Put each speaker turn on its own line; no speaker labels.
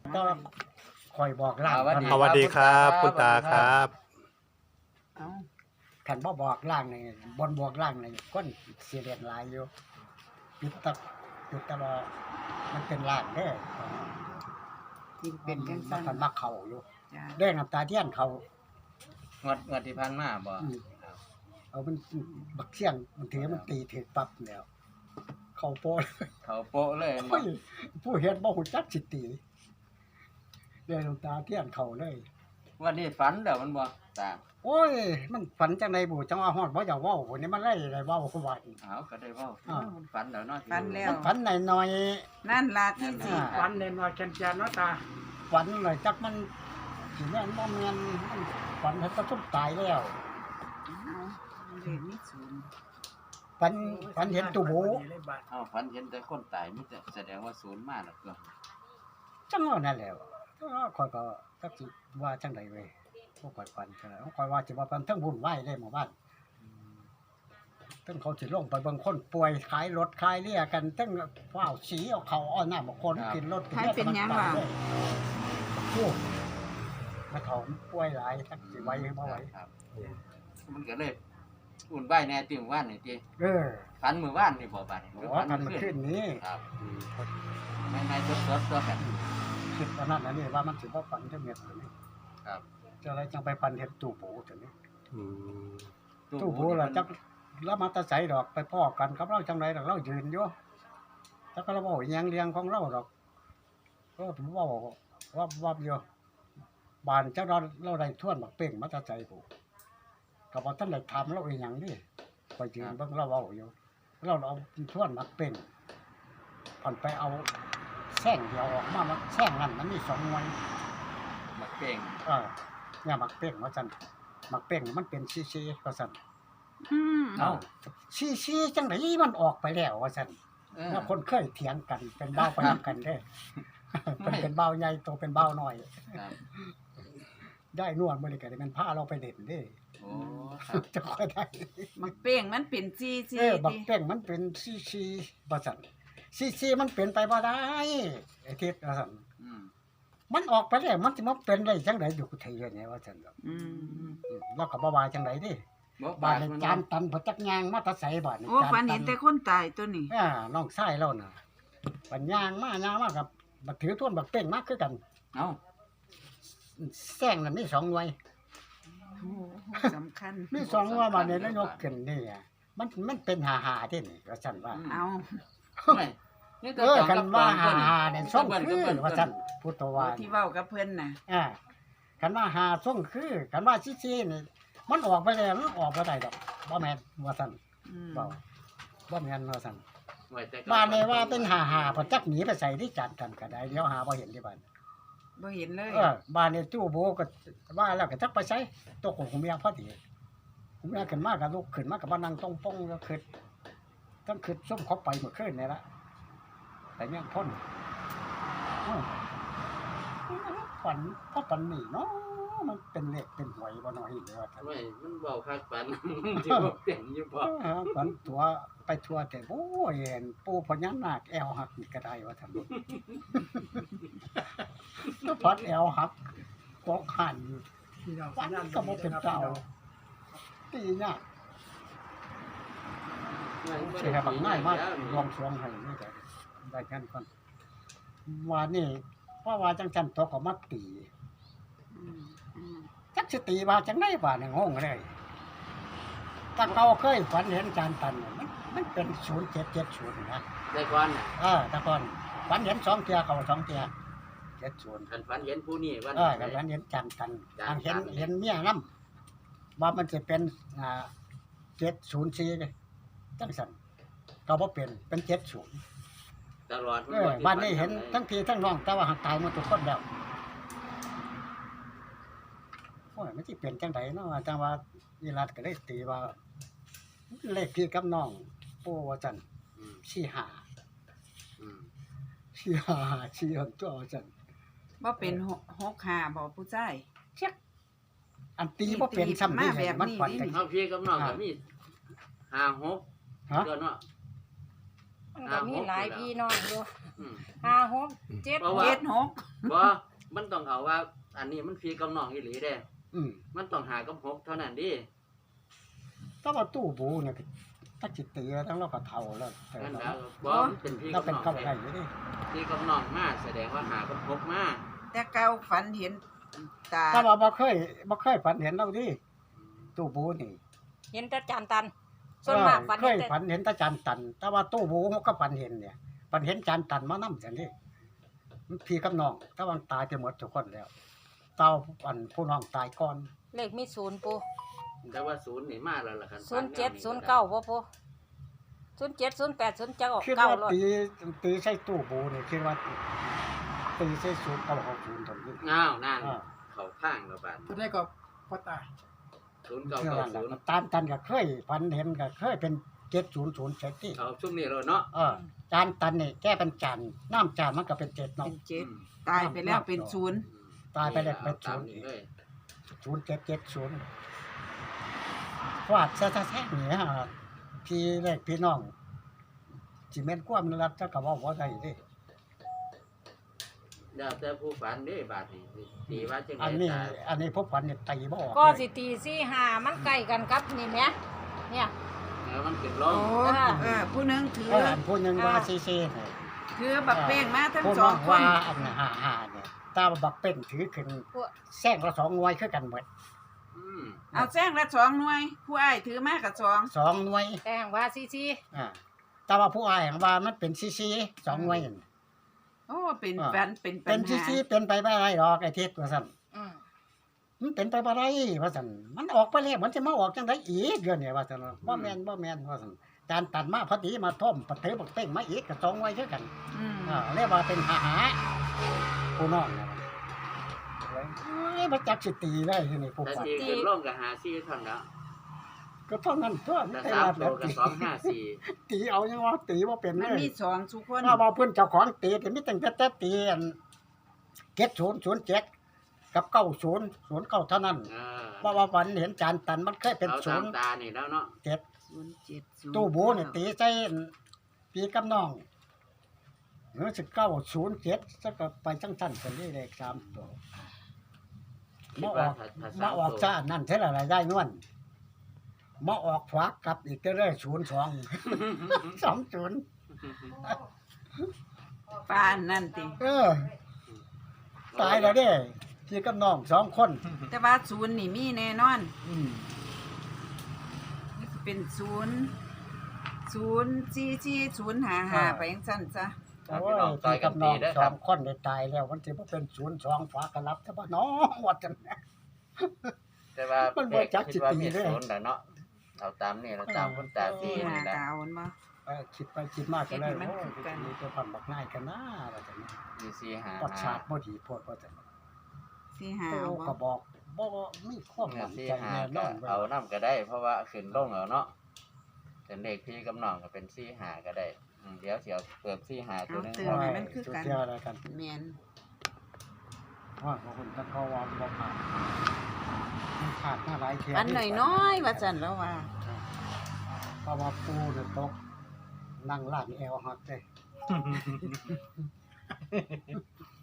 ก็คอยบอกล่าง
สวัสดีครับคุณตาครับ
เอาขันบ่บอกล่างนี่บนบอกล่างนี่คนเสียเรียนหลายอยู่จุดตะลอมันเป็นล่างเด้อ
ยิ่งเป็นจัง
มั
ซั่น
นมักเข้าอยู่
จ้า
เด้น้ำตาเทียนเขา
งวดที่ผ่านมาบ่
เอามันบักเสียงมันถือมันตีถึกปั๊บแล้วเข้าโปะ
เขาโปะเลย
โอ้ยผู้เฮ็ดบ่ฮู้จักสิตีเด้น้ำตาเทียนเขาเลย
วันนี้ฝันแล้วมันบ่ตา
โอ้ยมันฝันจังไดบุจังว่าฮอดบ่อยากเว้าพุ่นนี่มันไล่ได้เว้าว่า
เอาก็ได้เว้า
อ้าว
มันฝันแล้วเนาะ
ฝันแล้ว
มันฝันหน่อย
นั่นล่ะที่สิ
วันเน้นว่าแกนแกนเนาะตา
ๆฝันหน่อยจักมันสิแม่นบ่แม่นมันฝันเฮ็ดตะทุบตายแล้ว
เอาเลขนี้ศูนย์
ฝันเห็นตู้โบ
เอาฝันเห็นแต่คนตายมีแต่แสดงว่าศูนย์มาแล้วก็
จังว่านั่นแหละข้อยก็จักสิว่าจังไดเว้ยบ่ค่อยฝันเท่าไหร่ข้อยว่าสิว่าฝันทั้งวุ่นวายเลยหมู่บ้านทั้งเขาสิลงไปเบิ่งคนป่วยขายรถขายเรี่ยกันทั้งฟ้าวสีเอาเขาเอาหน้ามาคนกินรถกินเรือโอ้มาถมป่วยหลายจักสิไหวบ่ไหว
ครับมันก็เลยอุ่นใบแน่ติมื้อวานนี่ติ ฝันมื้อวานนี่บ่บัดนี้
โอ้กันมาขึ้นนี้
ครับไม่สดๆตัวกัน
คิดว่านั่นอันนี้ว่ามันสิบ่ฝันจังเม็ดนี้
ครับ
จะอะไรจังไปฝันเห็นตู้โบจังนี้
อืม
ตู้โบล่ะจักแล้วมาแตะไสดอกไปพ้อกันกับเราจังไดดอกเรายืนอยู่จักเราเว้าอีหยังเรียงของเราดอกก็ผมเว้าว่าอยู่บ้านเจ้าเราได้ทวนบักเป้งมาแตะไสผู้ก็บ่ทันได้ถามเราอีหยังนี่ไปยืนเบิ่งเราเว้าอยู่เราเอาทวนบักเป้งผ่อนไปเอาแส้งเดียวออกมามันแส้งนั้นมันมี2หน่วย
บักเก่ง
เนี่ยมักเป้งว่าซั่นมักเป้งมันเป็นซีๆว่าซั่น
เอ้า
ซีๆจังไดมันออกไปแล้วว่าซั่นแล้วคนเคยเถียงกันเป็นเบ้าไปนํกันเด้เป็นเบ้าใหญ่โตเป็นเบ้าน้อย
ครับ
ได้นวดมื้อนี้ก็ได้มันพาเราไปเล่นเด้
โอ้ครับ
จะค่อยได้
มักเป้งมันเป็นซีซี
บักเป้งมันเป็นซีๆว่าซั่นซีๆมันเป็นไปบ่ได้ไอ้ทิศว่าซั่น
อืม
มันออกไปแล้วมันสิมาเป็นได้จังไดอยู่ไทยเนี่ยว่าซั่น แล้วก็บ่ว่าจังไดเด้
บ่
บ้า
บาน ด
ใน
มัน
จานตันพจักยางมาแตะไสบ้าน
โอ้ฝันเห็นแต่คนตายตัวนี้
น้องชายเราน่ะปัญญางมากับบักถือท่วนบักเป้งมากคือกัน
เอ้า
แซงน่ะมี2หน่วย
โอ้สำคัญ
มี2หน่วยมาเนี่ยแล้วยกขึ้นนี่มันเป็น5ๆที่นี่ว่าซั่นว่า
เอา
ไม่นี่ตัว
กันว่า
ตัว
5เนี่ยส่งคือว่าซั่นพุทธวา
ที่เว้ากับเพิ่นน่ะ
กันว่า5ส่งคือกันว่าซี่นี่มันออกไปแล้วมันออกบ่ได้ดอกบ่แม่นว่าซั่น
อืม
บ่แม่นว่าซั่น
ไว้แต่
บ้านนี่ว่าเป็น5พจักหนีไปใส่ที่จัดกันก็ได้เดี๋ยวหาบ่เห็นที่บ้าน
บ่เห็นเลย
บ้านนี่ตู้โบก็ว่าแล้วก็จักไปใช้ตัวของผมเมียพอดีผมเมียขึ้นมาก็ลุกขึ้นมาก็มานั่งตรงป้องก็ขึ้นต้องขึ้นส้มเขาไปเมื่อคืนนี่ละแต่ยังพ้นฝันเพราะฝันนี่เนาะมันเป็นเลขเป็นหวยบ่น้อยเลยว่า
ไม่มันเบาคักปัน ที่บ่เปลี่ยนอยู่บ่
ฝันตัวไปทัวแต่โอ้ยเห็นปูพญานาคแอวหักนี่ก็ได้ว่าท่านก็พัดแอวหักกอกหัน
ที่เรา
ฝันก็บ่เป็นเจ้าตียากเสียบักง่ายมากลองสวงให้นี่ก็ได้กันก่อนว่านี่เพราะว่าจังจันตัวก็มาตี
อืมอืม
จักสิตีว่าจังได๋ว่านี่งงเลยถ้าเก่าเคยฝันเห็นจานตันมันเป็น0770นะ
ได้ก่อนน่ะ
แต่ก่อนฝันเห็น2เที่ยเขา2เที่ย70
คันฝันเห็นผู้นี้วัน
ก็ฝันเห็นจานตันเห็นเมียนำว่ามันสิเป็น704เลยจังซั่นก็บ่เป็น70
ตลอด
บ้านนี้เห็นทั้งพี่ทั้งน้องแต่ว่าหักตายหมดทุกคนแล้วโอ้ยมันสิเป็นจังไดเนาะจังว่าอีรัดก็ได้ตีว่าเลขพี่กับน้องปู่ว่าซั่น 45
อืม
45ตัวว่าซั่น
บ่เป็น65บ่ผู้ชาย
อันตีบ่เป็นซ้ำนี่
มาแบบนี้
มันฝัน
นี่
จัง
เฮาพี่กับน้องก็มี5 6
ฮะ
ตัวเนาะ
มันก็มีหลายพี่น้องอยู่
อืม
5 6 7
เพราะว่า
เจ็ดหก
บ่มันต้องเอาว่า อันนี้มันพี่กับน้องอีหลีเด้
อืม
มันต้องหากับ6เท่านั้นดิ
ถ้าว่าตู้บูเนี่ยถ้าจิตเตียทั้งเราก็เท่าแล้วแต่
นั่น
เรา
นะบ่มันเป็นพี่
เรา
กับ
เป็น
น้อง
เข้า
แท้
ได้อยู่ดิ
พี่กับน้องมาแสดงว่าหากับ6มา
แต่เก่าฝันเห็นตา
ถ้าว่าบ่เคยฝันเห็นเราดิตู้บูนี่
เห็นแต่จานตัน ส่วนมากฝัน
เค
เห็
ย
นแต่
ฝันเห็นแตาจานตัน แต่ว่าตู้บูก็ฝันเห็นเนี่ยฝันเห็นจานตันมานำจังนี่พี่กับน้องแต่ว่าตายไปหมดทุกคนแล้วเต้าอันผู้น้องตายก่อน
เลขมี0ปู
แต่ว่า0นี่มาแล้วล่ะคัน
07 09บ่ปู07 08 09
คิดว่า
9รถ
ตีใส่ตู้บูนี่คิดว่าตีใส่ศูนย์เก้าหกศูนย์ตรงนี้
อ้าวนั่น
อ่า
เขาข้างแล้วบาด
ตัวได้ก็พ่อตา
เชื่อว่าแล้ว
0990
ตามตันก็เคยฝันเห็นก็เคยเป็น7007ที่
เอาช่วงนี้แล้วเนาะ
จานตันนี่แก้เป็นจานน้ำจานมันก็เป็น7เนาะ
เป็นเจ็ดตายไปแล้วเป็นศูนย์
ตายไปแล้วเป็น
ตาม
0
นี้
อีก
เลย
0770ฟาดซะแท้ๆนี่ฮะพี่เล็กพี่น้องสิแม่นความรักจะก็เว้าบ่ได้เด้
แล้วแต่ผู้ฝันเด้บาดนี้ตีว่าจังได๋
อันนี้พวกฝันเนี่ยตีบ่ออก
ก็
เลย
สิตี4 5มันใกล้กันกับนี่แหมเนี่ย
แล้วมันขึ้นล
โอ้
ง
ผู้หนึงถือ
อันผู้หนึงว่าซีๆเนี่ย
ถือบักเป้งมาทั้ง
ผู้
ส
น้
อ
อง ง
ค
ว่าน อันหาเนี่ยตาบักเป็นถือขึ้นแซงละ2หน่วยคือกันหมด
อืม
เอาแซงละสองหน่วย ผู้อ้ายถือมากับสอง
2หน่วย
แต่ว่าซี
แต่ว่าผู้อ้ายว่ามันเป็นซีๆ2หน่วยนั่น
โอ้เป็น
อ่า
ฝันเป็นปั
เป็
ญ
น
หา
ซีๆเป็นไปบ่ได้ดอกไอ้เทศว่าซั่น
อืม
มันเป็นไปบ่ได้ว่าซั่นมันออกไปแล้วมันจะมาออกจังได๋อีกเดือนนี้ว่าซั่นบ่แม่นว่าซั่นจานตัดมาพอดีมาท่อมปะเถบักเป้งมาอีกก็2หน่วยคือกัน
อืม
เรียกว่าเป็นหาผู้น้องนะมันจักสิตีได้ที่นี่ผู้
แต่
ฝัน
ตีขึ้นลงก็หาซี่เท่านั้นแล้ว
ก็เท่านั้นตัว
แต่
แต่
สาม
ว่า
โตก็254
ตีเอายังว่าตีว่าเป็น
มัน
เลย
มีสองทุกคน
ถ้าว่าเพิ่นเจ้าของตีแต่มีตั้งแต่ตีอัน7007กับ9009เท่านั้น เพราะว่าฝันเห็นจานตันมันเคยเป็น
เอาตามตานี่แล้วเนาะ
07ตู้โบนี่ตีใส่ปีกับน้องหรือ1907ซะก็ไปจังซั่นกันนี่เลข3ตัวมาออกมาออกซะอันนั่นเท่าไหร่ได้นวลมาออกขวากลับอีกก็ได้02 20
ปานนั่นติ
ตายแล้วเด้พี่กับน้อง2คน
แต่ว่าศูนย์นี่มีแน่นอน
อืม
นี่สิเป็น04405ไปจังซั่นซะ
โอ้ยพี่กับน้อง2คนได้ตายแล้วมันสิบ่เป็น02ฝากระลับแต่ว่าน้องว่าจัง
แต่ว่า
มันบ่จักสิ
คิดว่า
ตี
มี
เด้
ศูนย์แล้วเนาะเอาตามนี่แล้วตามคุณตาตี
ที่
นี่
หา
แหละ
กาวมันบ่
คิดไปคิดมาก็เลย
เฮ็ดให้มัน
โอ้ย
คือกัน
มีตัวพันบักนายกันนะว่าจัง
มีสี่หา
ปัดฉาดบ่ดีโพดว่าจัง
ที่หา
โอ้
เอา
ก็
บ่
บอกบ่มีความมั่น
สี่
ใจ
หา
แน่น
ก็
อน
เอาน้ำก็ได้ เพราะว่าขึ้นลงเอาเนาะเป็นเลขพี่กับน้องก็เป็นสี่หาก็ได้เดี๋ยวเสียวเปิดสี่หาตัวนึง
ว่ามันคือกันอะไรกัน
แม่น
ว่าคนก็เขาว่าบ่ผ่านมันขาดมาหลายเที่ย
อันน้อยๆว่าซั่นแล้วว่า
เพราะว่าปูเนี่ยตกนั่งลากแอวหักเด้